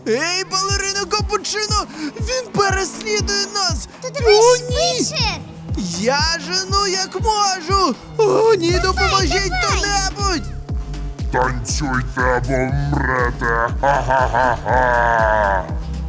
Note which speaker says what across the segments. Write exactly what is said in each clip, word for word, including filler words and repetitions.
Speaker 1: Ей, балерина Капучино! Він переслідує нас!
Speaker 2: То давай
Speaker 1: О, ні!
Speaker 2: швидше!
Speaker 1: Я жену як можу! О, ні, допоможіть
Speaker 2: давай.
Speaker 1: хто-небудь!
Speaker 3: Танцюйте або вмрете! Ха-ха-ха-ха!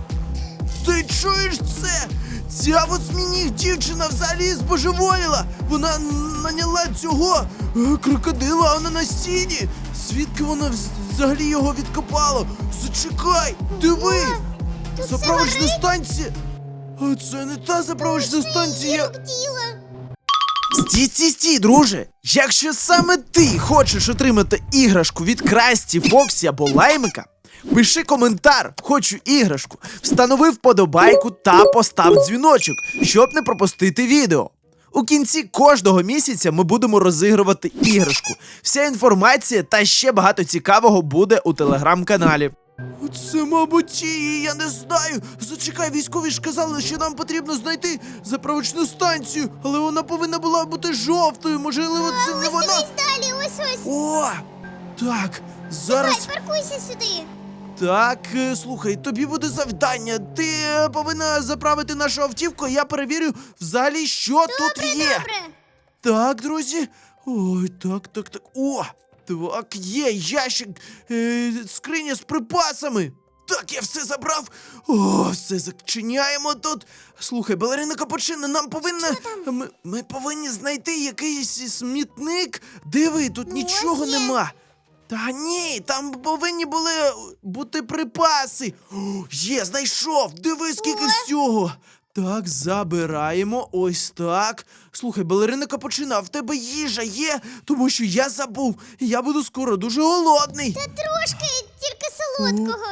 Speaker 1: Ти чуєш це? Ця восьминіг дівчина взагалі збожеволіла! Вона наняла цього е, крокодила, а вона на сіні! Звідки вона вз- взагалі його відкопала? Зачекай! Диви!
Speaker 2: Тут все
Speaker 1: Заправочна
Speaker 2: горить.
Speaker 1: станція! А це не та заправочна станція!
Speaker 2: Рук діла.
Speaker 1: Стій, стій, стій, друже! Якщо саме ти хочеш отримати іграшку від Красті, Фоксі або Лаймика, пиши коментар «Хочу іграшку», встанови вподобайку та постав дзвіночок, щоб не пропустити відео. У кінці кожного місяця ми будемо розігрувати іграшку. Вся інформація та ще багато цікавого буде у телеграм-каналі. Це, мабуть, її, я не знаю. Зачекай, військові ж казали, що нам потрібно знайти заправочну станцію, але вона повинна була бути жовтою, можливо, це не
Speaker 2: Ось
Speaker 1: вона.
Speaker 2: дивись далі, ось ось.
Speaker 1: О! Так,
Speaker 2: Давай,
Speaker 1: зараз.
Speaker 2: паркуйся сюди.
Speaker 1: Так, е, слухай, тобі буде завдання. Ти е, повинна заправити нашу автівку, я перевірю взагалі, що тут є.
Speaker 2: Добре.
Speaker 1: Так, друзі. Ой, так, так, так. О! Так, є ящик, е, скриня з припасами. Так, я все забрав. О, все зачиняємо тут. Слухай, балерина Капучино, нам повинна. Ми, ми повинні знайти якийсь смітник. Диви, тут нічого
Speaker 2: є.
Speaker 1: нема. Та ні, там повинні були бути припаси. О, є, знайшов. Диви, скільки всього. Так, забираємо. Ось так. Слухай, балерина Капучино, а в тебе їжа є? Тому що я забув. Я буду скоро дуже голодний.
Speaker 2: Та трошки, тільки солодкого.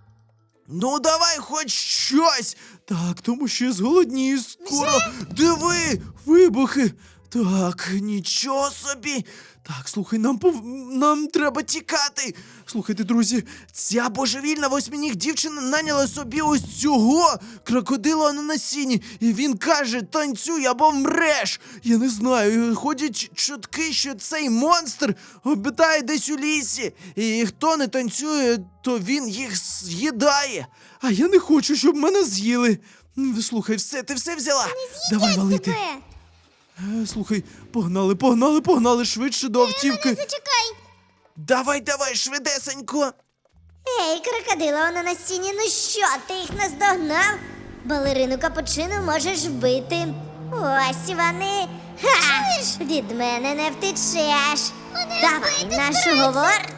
Speaker 1: Ну, давай хоч щось. Так, тому що я зголоднію скоро. Диви, вибухи. Так, нічого собі. Так, слухай, нам пов... нам треба тікати. Слухайте, друзі, ця божевільна восьминіг дівчина наняла собі ось цього крокодила на насінні. І він каже, танцюй або вмреш. Я не знаю, ходять чутки, що цей монстр обитає десь у лісі. І хто не танцює, то він їх з'їдає. А я не хочу, щоб мене з'їли. М, Слухай, все, ти все взяла? Давай
Speaker 2: Їдять
Speaker 1: валити.
Speaker 2: тебе.
Speaker 1: Е, Слухай, погнали, погнали, погнали швидше до автівки.
Speaker 2: Зачекай.
Speaker 1: Давай, давай, швидесенько.
Speaker 2: Ей, крокодила, вона на стіні, ну що, ти їх наздогнав? Балерину Капучино можеш вбити. Ось вони. Ха! Від мене не втечеш. Давай, наш уговор.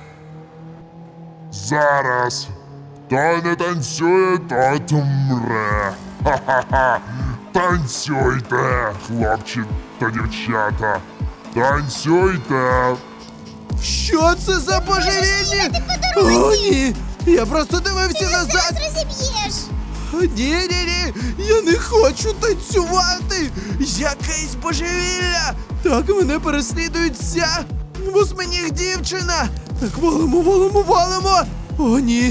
Speaker 3: Зараз! Хто не танцює, тот умре! Ха-ха-ха! Танцюйте, хлопці та дівчата! Танцюйте!
Speaker 1: Що це за божевільні?
Speaker 2: по дорозі.
Speaker 1: О, ні! Я просто дивився назад.
Speaker 2: Зараз розіб'єш.
Speaker 1: Ні, ні, ні, я не хочу танцювати. Якесь божевілля. Так, мене переслідують ця восьминіг дівчина. Так, валимо, валимо, валимо. О, ні.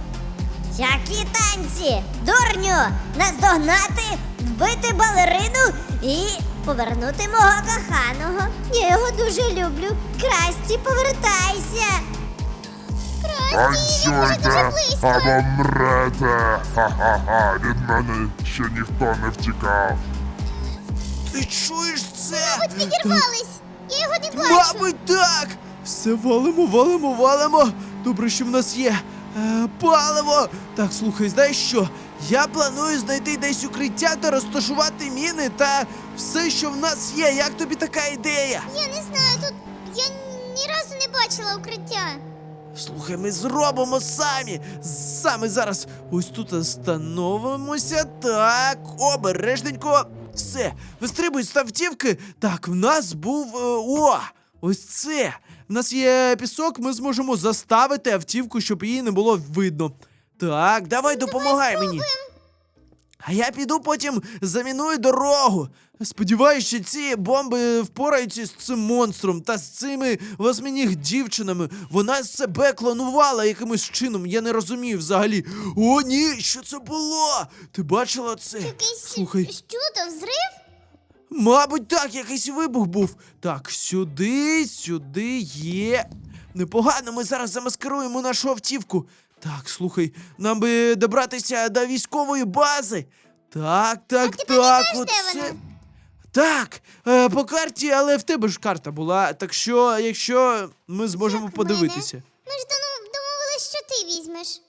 Speaker 2: Які танці? Дурню! Наздогнати, вбити балерину і повернути мого коханого. Я його дуже люблю. Красті, повертайся. Красті, він вже дуже
Speaker 3: Танцюйте
Speaker 2: близько.
Speaker 3: або мрете! Ха-ха-ха! Від мене ще ніхто не втікав!
Speaker 1: Ти чуєш це?
Speaker 2: Мабуть, відірвались. Я його не бачу.
Speaker 1: Мабуть, так! Все валимо, валимо, валимо. Добре, що в нас є е, паливо. Так, слухай, знаєш що? Я планую знайти десь укриття та розташувати міни та все, що в нас є. Як тобі така ідея?
Speaker 2: Я не знаю, тут я ні разу не бачила укриття.
Speaker 1: Слухай, ми зробимо самі. Саме зараз ось тут становимося. Так, обережненько. Все, вистрибуй з автівки. Так, в нас був. е, О! Ось це. В нас є пісок, ми зможемо заставити автівку, щоб її не було видно. Так, давай допомагай мені. А я піду потім заміную дорогу. Сподіваюсь, що ці бомби впораються з цим монстром та з цими восьминіг дівчинами. Вона себе клонувала якимось чином, я не розумію взагалі. О, ні, що це було? Ти бачила це?
Speaker 2: Якийсь
Speaker 1: Слухай,
Speaker 2: що то взрив?
Speaker 1: мабуть, так, якийсь вибух був. Так, сюди, сюди є. Непогано, ми зараз замаскируємо нашу автівку. Так, слухай, нам би добратися до військової бази. Так, так,
Speaker 2: ти
Speaker 1: так,
Speaker 2: пам'ятаєш, де
Speaker 1: оце.
Speaker 2: вона?
Speaker 1: Так, е, по карті, але в тебе ж карта була. Так що, якщо ми зможемо
Speaker 2: Як в
Speaker 1: подивитися.
Speaker 2: мене? Ми ж дону- домовились, що ти візьмеш.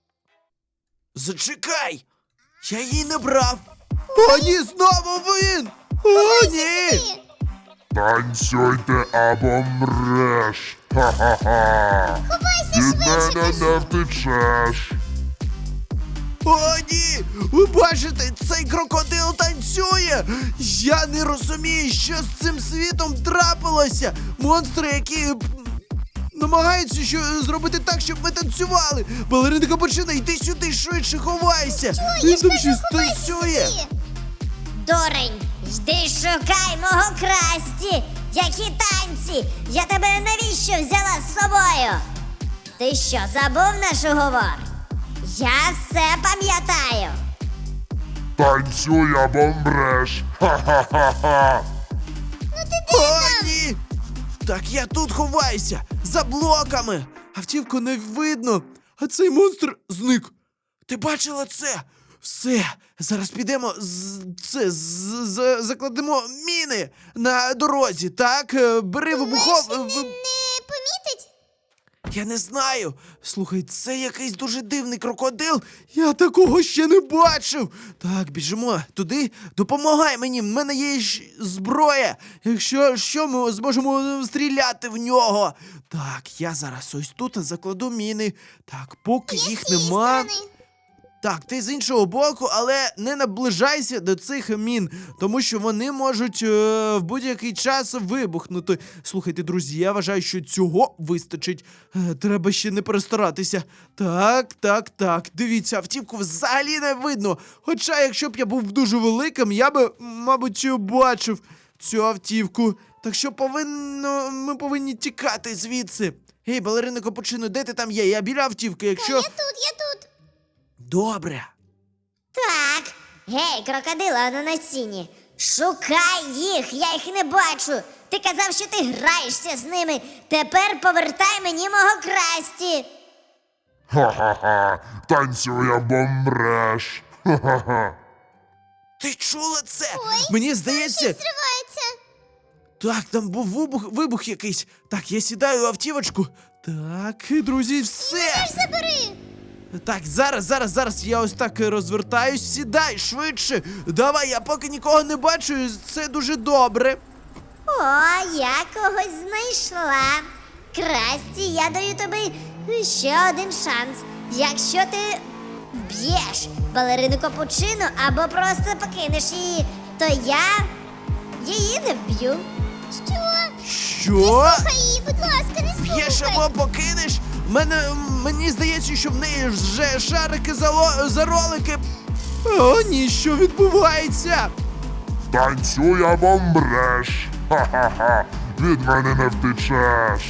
Speaker 1: Зачекай! Я її не брав. О, ні, знову він! О, ні!
Speaker 2: Ти.
Speaker 3: Танцюйте або мреш. Ха-ха-ха.
Speaker 2: Ховайся
Speaker 3: Від
Speaker 2: швидше,
Speaker 3: мене
Speaker 2: кажу.
Speaker 3: не втечеш.
Speaker 1: О, ні! Ви бачите, цей крокодил танцює! Я не розумію, що з цим світом трапилося! Монстри, які м, намагаються що, зробити так, щоб ми танцювали! Балерина Капучино, йди сюди, швидше ховайся! Він там щось танцює!
Speaker 2: Сюди. Дурень, йди шукай мого Красті! Які танці! Я тебе навіщо взяла з собою? Ти що, забув наш уговор? Я все пам'ятаю.
Speaker 3: Танцюй або мреш. Ха-ха-ха-ха.
Speaker 1: О, ні! Так я тут ховаюся! За блоками! Автівку не видно, а цей монстр зник. Ти бачила це? Все, зараз підемо з це з, з- закладемо міни на дорозі, так? Е, Бери вибухов.
Speaker 2: Думаєш,
Speaker 1: ви-
Speaker 2: він не помітить?
Speaker 1: Я не знаю. Слухай, це якийсь дуже дивний крокодил. Я такого ще не бачив. Так, біжимо туди. Допомагай мені. В мене є ж зброя. Якщо що, ми зможемо стріляти в нього. Так, я зараз ось тут закладу міни. Так, поки
Speaker 2: Я
Speaker 1: їх
Speaker 2: з цієї
Speaker 1: нема.
Speaker 2: сторони.
Speaker 1: Так, ти з іншого боку, але не наближайся до цих мін, тому що вони можуть е, в будь-який час вибухнути. Слухайте, друзі, я вважаю, що цього вистачить. Е, треба ще не перестаратися. Так, так, так. Дивіться, автівку взагалі не видно. Хоча, якщо б я був дуже великим, я би, мабуть, бачив цю автівку. Так що повинно, ми повинні тікати звідси. Гей, балерина Капучино, де ти там є? Я біля автівки, якщо.
Speaker 2: Я тут, я тут.
Speaker 1: Добре.
Speaker 2: Так. Гей, крокодила на насінні. Шукай їх, я їх не бачу. Ти казав, що ти граєшся з ними. Тепер повертай мені мого Красті.
Speaker 3: Ха-ха-ха. Танцюй або мреш. Ха-ха-ха.
Speaker 1: Ти чула це? Мені здається,
Speaker 2: Зривається.
Speaker 1: так, там був вибух, вибух якийсь. Так, я сідаю в автівочку. Так, друзі, все.
Speaker 2: Забери.
Speaker 1: Так, зараз, зараз, зараз я ось так розвертаюсь. Сідай швидше. Давай, я поки нікого не бачу, це дуже добре.
Speaker 2: О, я когось знайшла. Красті, я даю тобі ще один шанс. Якщо ти вб'єш балерину Капучино або просто покинеш її, то я її не вб'ю. Що?
Speaker 1: Що?
Speaker 2: Слухай її, будь ласка, не
Speaker 1: Б'єш
Speaker 2: слухай.
Speaker 1: або покинеш? Мене, мені здається, що в неї вже шарики за, ло- за ролики. О, ні, що відбувається?
Speaker 3: Танцюй або мреш. Ха-ха-ха. Від мене не втечеш.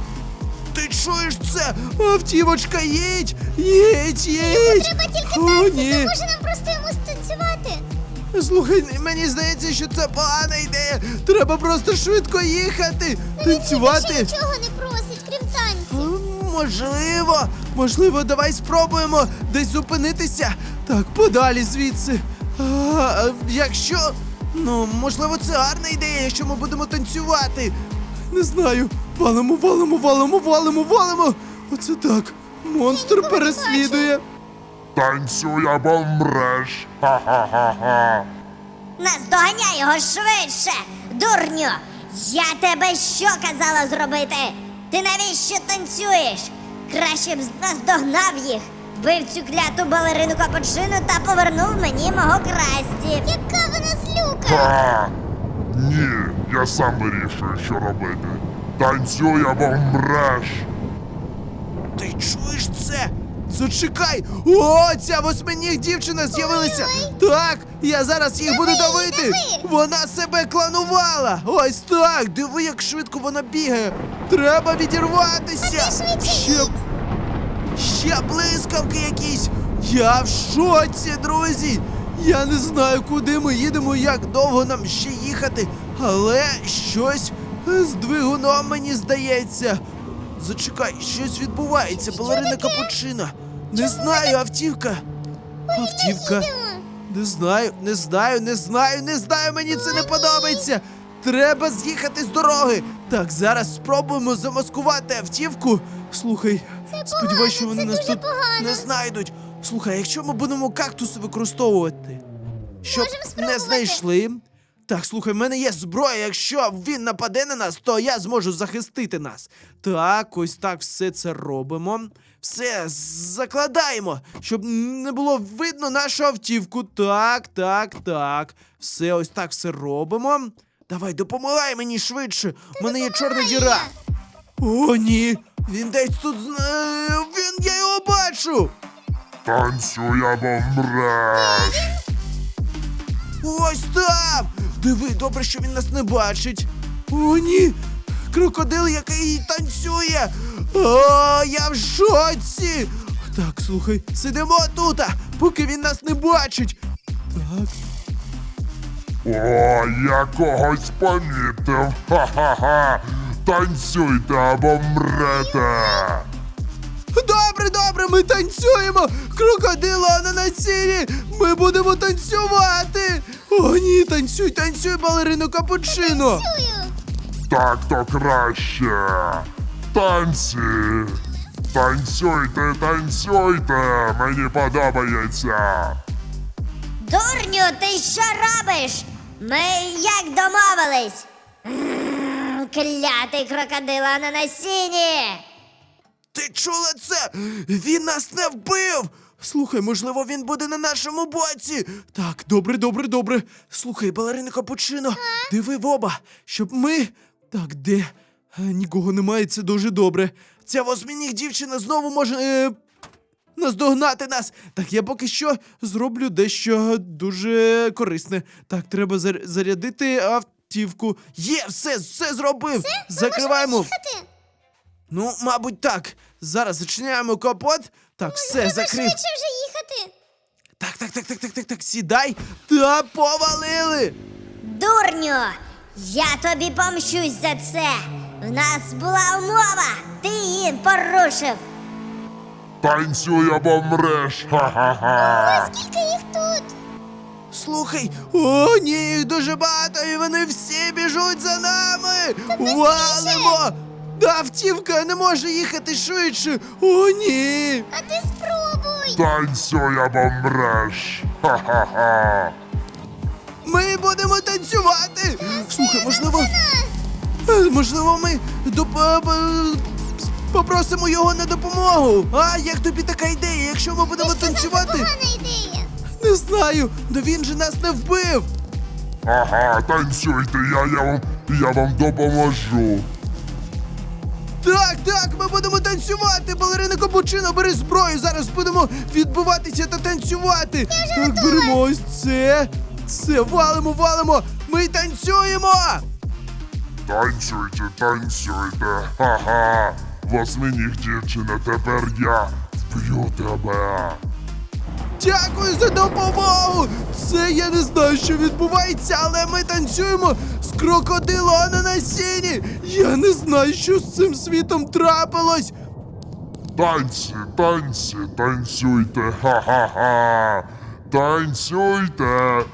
Speaker 1: Ти чуєш це? Автівочка, їдь! Їдь, їдь!
Speaker 2: Треба тільки
Speaker 1: О,
Speaker 2: танці,
Speaker 1: ні.
Speaker 2: то може нам просто йому станцювати.
Speaker 1: Слухай, мені здається, що це погана ідея. Треба просто швидко їхати, танцювати.
Speaker 2: Більше нічого не просить, крім танців.
Speaker 1: М, Можливо, можливо, давай спробуємо десь зупинитися. Так, подалі звідси. А, а, якщо. Ну, можливо, це гарна ідея, якщо ми будемо танцювати. Не знаю. Валимо, валимо, валимо, валимо, валимо. Оце так. Монстр
Speaker 2: нікого не
Speaker 1: переслідує.
Speaker 3: Танцюй або мреш. Ха-ха-ха-ха.
Speaker 2: Наздоганяй його швидше, дурню! Я тебе що казала зробити? Ти навіщо танцюєш? Краще б наздогнав їх, вбив цю кляту балерину Капучино та повернув мені мого Красті. Яка вона злюка!
Speaker 3: Ха! Ні, я сам вирішую, що робити. Танцюй або мреш.
Speaker 1: Ти чуєш це? Зачекай! О, ця восьминіг дівчина з'явилася! Так, я зараз їх буду давити!
Speaker 2: диви!
Speaker 1: Вона себе кланувала! Ось так! Диви, як швидко вона бігає! Треба відірватися!
Speaker 2: А ти швидше
Speaker 1: Ще,
Speaker 2: їдь!
Speaker 1: ще блискавки якісь! Я в шоці, друзі! Я не знаю, куди ми їдемо, як довго нам ще їхати, але щось з двигуном, мені здається. Зачекай, щось відбувається, балерина Капучино. Не знаю, автівка. Автівка. Не знаю, не знаю, не знаю, не знаю, мені це не подобається. Треба з'їхати з дороги. Так, зараз спробуємо замаскувати автівку. Слухай, сподіваюся, що вони
Speaker 2: це
Speaker 1: нас
Speaker 2: дуже
Speaker 1: тут
Speaker 2: погано.
Speaker 1: не знайдуть. Слухай, якщо ми будемо кактуси використовувати, щоб
Speaker 2: Можемо
Speaker 1: не
Speaker 2: спробувати.
Speaker 1: знайшли. Так, слухай, в мене є зброя. Якщо він нападе на нас, то я зможу захистити нас. Так, ось так все це робимо. Все, закладаємо, щоб не було видно нашу автівку. Так, так, так. Все, ось так все робимо. Давай, допомагай мені швидше. У мене є чорна діра. О, ні. Він десь тут. зна- Він, я його бачу.
Speaker 3: Танцюй або мреш.
Speaker 1: Ось там! Диви, добре, що він нас не бачить. О, ні! Крокодил, який танцює! О, я в шоці! Так, слухай, сидимо тут, поки він нас не бачить. Так,
Speaker 3: О, я когось помітив. Ха-ха-ха. Танцюйте або мрете.
Speaker 1: добре, добре, ми танцюємо! Крокодило ананасіні! Ми будемо танцювати! О, ні, танцюй, танцюй, балерино капучино!
Speaker 3: Так то краще. Танці. Танцюйте, танцюйте. Мені подобається.
Speaker 2: Дурню, ти що робиш? Ми як домовились? М, Клятий крокодила на насінні!
Speaker 1: Ти чула це? Він нас не вбив! Слухай, можливо, він буде на нашому боці. Так, добре, добре, добре. Слухай, балерина капучино, диви в оба, щоб ми. Так, де? Е, Нікого немає, це дуже добре. Ця восьминіг дівчина знову може е, наздогнати нас. Так, я поки що зроблю дещо дуже корисне. Так, треба зар- зарядити автівку. Є, все, все зробив. Закриваємо.
Speaker 2: Їхати?
Speaker 1: Ну, мабуть, так. Зараз зачиняємо капот. Так, все,
Speaker 2: Треба
Speaker 1: закрив.
Speaker 2: швидше вже їхати.
Speaker 1: Так, так, так, так, так, так, так, сідай. Та повалили.
Speaker 2: Дурню, я тобі помщусь за це. В нас була умова, ти її порушив.
Speaker 3: Танцюй або мреш. Ха-ха-ха.
Speaker 2: Скільки їх тут?
Speaker 1: Слухай, о, ні, їх дуже багато, і вони всі біжуть за нами. Валимо. Да, автівка не може їхати швидше. О, ні.
Speaker 2: А ти спробуй.
Speaker 3: Танцюй або мреш. Ха-ха-ха.
Speaker 1: Ми будемо танцювати. Слухай, можливо, е, можливо, ми доп- е, е, попросимо його на допомогу. А як тобі така ідея? Якщо ми будемо танцювати,
Speaker 2: Погана ідея.
Speaker 1: не знаю, да він же нас не вбив.
Speaker 3: Ага, танцюйте, я, я, вам, я вам допоможу.
Speaker 1: Так, так, ми будемо танцювати. Балерина капучино, бери зброю. Зараз будемо відбиватися та танцювати. Так, беремо ось це. Це, валимо, валимо. Ми танцюємо.
Speaker 3: Танцюйте, танцюйте. Ха-ха. Восьминіг дівчина, тепер я вб'ю тебе.
Speaker 1: Дякую за допомогу! Це я не знаю, що відбувається, але ми танцюємо з крокодилом ананасіні! Я не знаю, що з цим світом трапилось!
Speaker 3: Танці, танці, танцюйте. Ха-ха-ха. Танцюйте.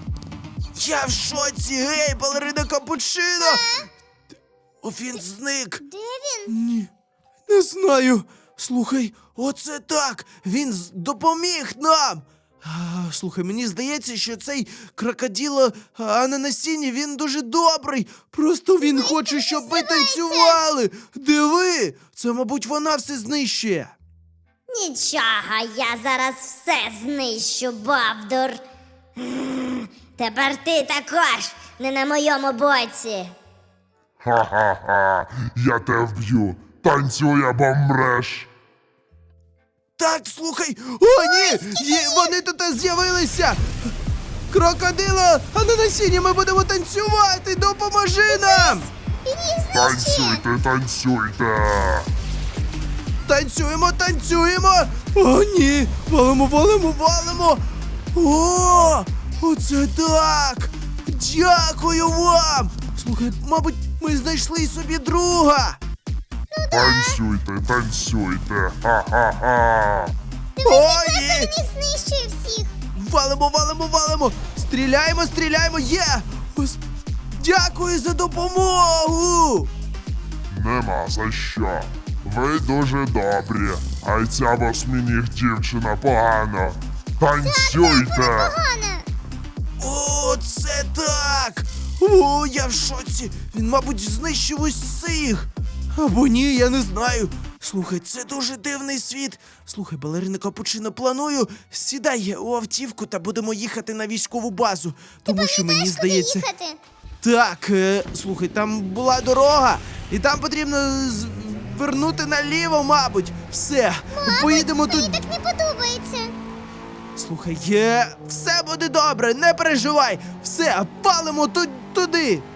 Speaker 1: Я в шоці, гей, балерина капучино! О, він зник!
Speaker 2: Де він?
Speaker 1: Ні, не знаю. Слухай, оце так! Він з- допоміг нам! А, слухай, мені здається, що цей крокодило а, ананасіні, він дуже добрий. Просто він хоче, щоб ми танцювали. Диви, це, мабуть, вона все знищує.
Speaker 2: Нічого, я зараз все знищу, Бовдур. М, Тепер ти також не на моєму боці.
Speaker 3: Ха-ха-ха. Я тебе вб'ю. Танцюй або мреш.
Speaker 1: Так, слухай. О, ні! Є, вони тут з'явилися. Крокодило ананасіні, ми будемо танцювати. Допоможи нам!
Speaker 2: Він їх знищує.
Speaker 3: Танцюйте, танцюйте.
Speaker 1: Танцюємо, танцюємо! О, ні! Валимо, валимо, валимо! О! Оце так! Дякую вам! Слухай, мабуть, ми знайшли собі друга!
Speaker 3: Танцюйте, танцюйте. Ха-ха-ха.
Speaker 1: О, ні!
Speaker 2: Він їх знищує всіх.
Speaker 1: Валимо, валимо, валимо! Стріляємо, стріляємо! Є! Ось... Дякую за допомогу!
Speaker 3: Нема за що. Ви дуже добрі, а й ця восьминіг дівчина погано. Танцюйте!
Speaker 2: Погано.
Speaker 1: О, це так! О, я в шоці! Він, мабуть, знищив усіх! Або ні, я не знаю. Слухай, це дуже дивний світ. Слухай, балерина Капучино, планую, сідай у автівку та будемо їхати на військову базу. Тому що мені
Speaker 2: Знаєш, куди
Speaker 1: здається.
Speaker 2: їхати?
Speaker 1: Так, е, слухай, там була дорога, і там потрібно з- вернути наліво, мабуть. Все, поїдемо тут.
Speaker 2: Мені так не подобається.
Speaker 1: Слухай, є, все буде добре, не переживай. Все, палимо ту- туди.